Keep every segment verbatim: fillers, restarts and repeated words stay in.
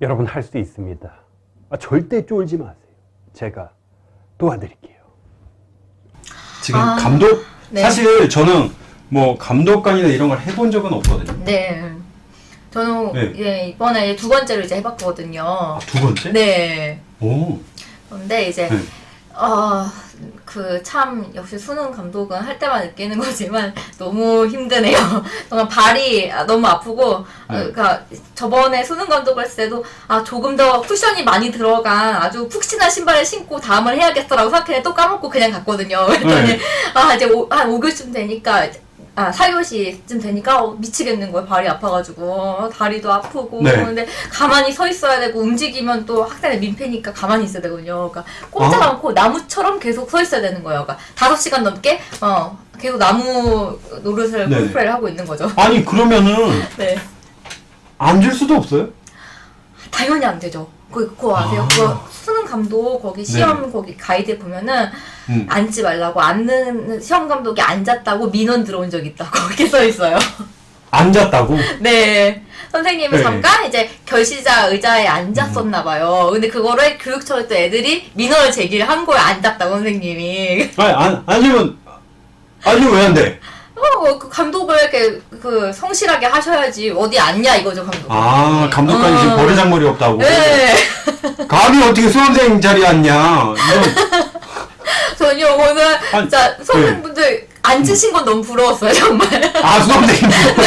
여러분 할 수 있습니다. 아, 절대 쫄지 마세요. 제가 도와드릴게요. 지금 아, 감독 네. 사실 저는 뭐 감독관이나 이런 걸 해본 적은 없거든요. 네. 저는 네. 예, 이번에 두 번째로 이제 해봤거든요. 아, 두 번째? 네. 오. 근데 이제 네. 어, 그 참 역시 수능 감독은 할 때만 느끼는 거지만 너무 힘드네요. 정말 발이 너무 아프고 네. 어, 그러니까 저번에 수능 감독을 했을 때도 아 조금 더 쿠션이 많이 들어간 아주 푹신한 신발을 신고 다음을 해야겠어라고 생각했는데 또 까먹고 그냥 갔거든요. 그랬더니 네. 아 이제 오, 한 오 교시쯤 되니까 아, 사 교시쯤 되니까 어, 미치겠는 거예요. 발이 아파가지고 어, 다리도 아프고 네. 근데 가만히 서 있어야 되고 움직이면 또 학생의 민폐니까 가만히 있어야 되거든요. 그러니까 꼼짝 아. 않고 나무처럼 계속 서 있어야 되는 거예요. 그러니까 다섯 시간 넘게 어 계속 나무 노릇을 네. 콜프레를 하고 있는 거죠. 아니 그러면은 네, 앉을 수도 없어요? 당연히 안 되죠. 그, 그거 아세요? 아. 그거 수능 감독 거기 시험 거기 가이드에 보면은 음. 앉지 말라고 앉는 시험 감독이 앉았다고 민원 들어온 적 있다고 거기 써 있어요. 앉았다고? 네. 선생님은 네. 잠깐 이제 결시자 의자에 앉았었나 봐요. 근데 그거를 교육청에 또 애들이 민원을 제기를 한 거예요. 앉았다고 선생님이. 아니 안, 아니면 아니면 왜 안 돼? 어, 그 감독을 이렇게 그 성실하게 하셔야지. 어디 앉냐 이거죠, 감독. 아 감독관이 지금 어. 버르장머리 없다고? 네. 감히 어떻게 수험생 자리에 앉냐? 이런 전혀 오늘 아니, 진짜 선생님분들 앉으신 건 너무 부러웠어요, 정말. 아 수험생이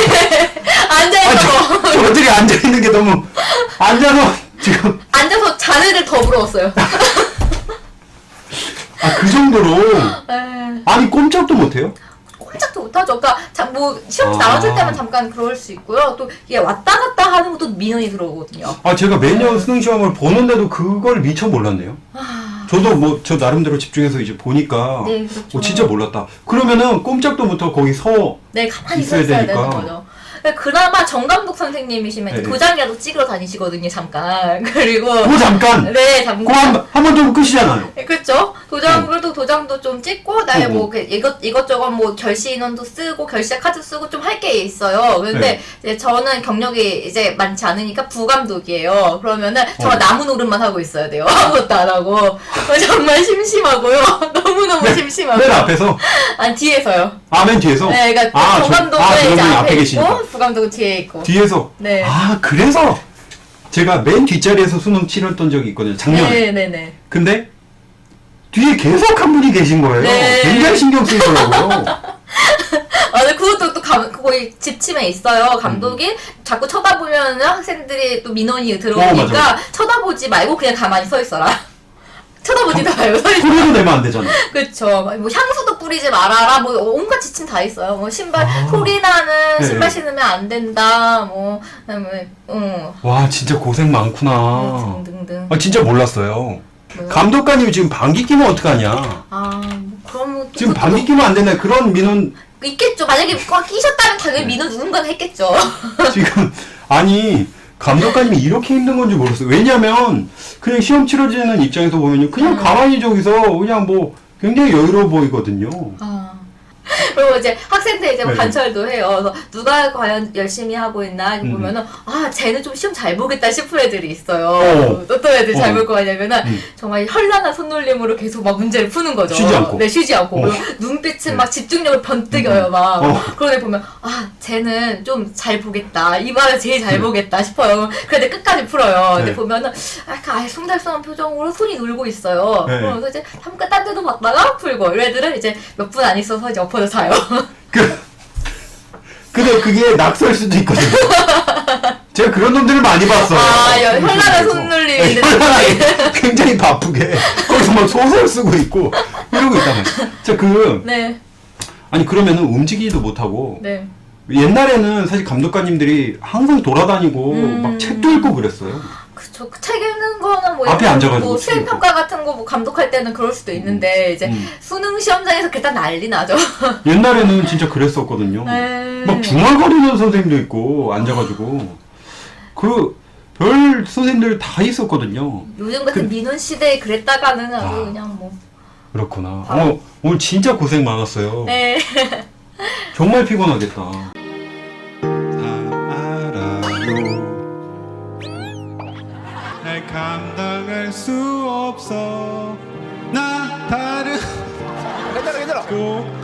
앉아있어. 저, 저들이 앉아 있는 게 너무 앉아서 지금 앉아서 자네들 더 부러웠어요. 아 그 정도로 에. 아니 꼼짝도 못해요? 꼼짝도 못하죠. 그러니까 자, 뭐 시험 아. 나왔을 때만 잠깐 그럴 수 있고요. 또 이게 왔다 갔다 하는 것도 민원이 들어오거든요. 아 제가 매년 수능 시험을 보는데도 그걸 미처 몰랐네요. 저도 뭐 저 나름대로 집중해서 이제 보니까 네, 그렇죠. 어, 진짜 몰랐다. 그러면은 꼼짝도 못하고 거기 서 네, 가만히 있어야 서 있어야 되니까. 되는 거죠. 그나마 정감독 선생님이시면 네, 네. 도장이라도 찍으러 다니시거든요, 잠깐. 그리고 그 잠깐 네, 그거 잠깐. 한번 좀 끝이잖아요. 네, 그렇죠. 도장 그래도 도장도 좀 찍고 그다음에 어, 어. 뭐 그 이것 이것저것 뭐 결시 인원도 쓰고 결시자 카드 쓰고 좀 할 게 있어요. 근데 네. 이제 저는 경력이 이제 많지 않으니까 부감독이에요. 그러면은 정말 어. 나무 노릇만 하고 있어야 돼요. 아무것도 안 하고 정말 심심하고요. 너무 너무 심심하고. 맨 앞에서 아니 뒤에서요. 아 맨 뒤에서 네, 그러니까 아, 저- 정감독은 아, 이제 정감독이 앞에 앞에 있고 계시니까. 부감독은 뒤에 있고. 뒤에서 네. 아 그래서 제가 맨 뒷자리에서 수능 치렀던 적이 있거든요 작년에. 네, 네, 네. 근데 뒤에 계속 한 분이 계신 거예요. 네. 굉장히 신경 쓰이더라고요. 아, 근데 그것도 또 감, 거기 지침에 있어요. 감독이 음. 자꾸 쳐다보면 학생들이 또 민원이 어, 들어오니까 맞아. 쳐다보지 말고 그냥 가만히 서 있어라. 쳐다보지도 말고 서 있어. 소리도 내면 안 되잖아. 그쵸. 뭐 향수도 뿌리지 말아라. 뭐 온갖 지침 다 있어요. 뭐 신발 아. 소리 나는 네. 신발 신으면 안 된다. 뭐 그다음에 어 와 진짜 고생 많구나. 등등등. 아 진짜 몰랐어요. 뭐요? 감독관님이 지금 방귀 끼면 어떡하냐. 아, 뭐 그럼 뭐 지금 그것도 방귀 끼면 안 된다 그런 민원 있겠죠. 만약에 꽉 끼셨다면 당연히 네. 민원 누군가는 했겠죠. 지금 아니 감독관님이 이렇게 힘든 건지 몰랐어요. 왜냐면 그냥 시험 치러지는 입장에서 보면요 그냥 음. 가만히 저기서 그냥 뭐 굉장히 여유로워 보이거든요. 아. 그리고 이제 학생들 이제 뭐 네. 관철도 해요. 그래서 누가 과연 열심히 하고 있나 이렇게 음. 보면은 아 쟤는 좀 시험 잘 보겠다 싶은 애들이 있어요. 어. 어떤 애들 잘 어. 볼 거 같냐면은 음. 정말 현란한 손놀림으로 계속 막 문제를 푸는 거죠. 쉬지 않고. 네, 쉬지 않고. 어. 그리고 눈빛은 네. 막 집중력을 번뜩여요, 막. 어. 그런 애 보면 아 쟤는 좀 잘 보겠다. 이 말을 제일 잘 음. 보겠다 싶어요. 그런데 끝까지 풀어요. 근데 네. 보면은 약간 아예 송달송한 표정으로 손이 놀고 있어요. 네. 그러면서 이제 잠깐 딴 데도 봤다가 풀고 이 애들은 이제 몇 분 안 있어서 이제 엎어져 자요. 그 근데 그게 낙서일 수도 있거든요. 제가 그런 놈들을 많이 봤어요. 아, 여- 현란한 그래서. 손놀림이 네, 현란하게 굉장히 바쁘게 거기서 막 소설 쓰고 있고 이러고 있단 말이에요. 자, 그 네, 아니 그러면은 움직이지도 못하고 네. 옛날에는 사실 감독관님들이 항상 돌아다니고 음. 막 책도 읽고 그랬어요. 그쵸. 그 책 읽는 거는 뭐, 앞에 약간 앉아가지고 뭐 책 수행평가 같은 거 뭐 감독할 때는 그럴 수도 있는데, 이제 음. 수능 시험장에서 그딴 난리 나죠. 옛날에는 진짜 그랬었거든요. 네. 막 중얼거리는 선생님도 있고 앉아가지고 그 별 선생님들 다 있었거든요. 요즘 같은 그- 민원 시대에 그랬다가는 아주 아. 그냥 뭐. 그렇구나. 바로- 어, 오늘 진짜 고생 많았어요. 네. 정말 피곤하겠다. 다 알아요. 정말 감당할 수 없어 나 다른 괜찮아 괜찮아. 꼭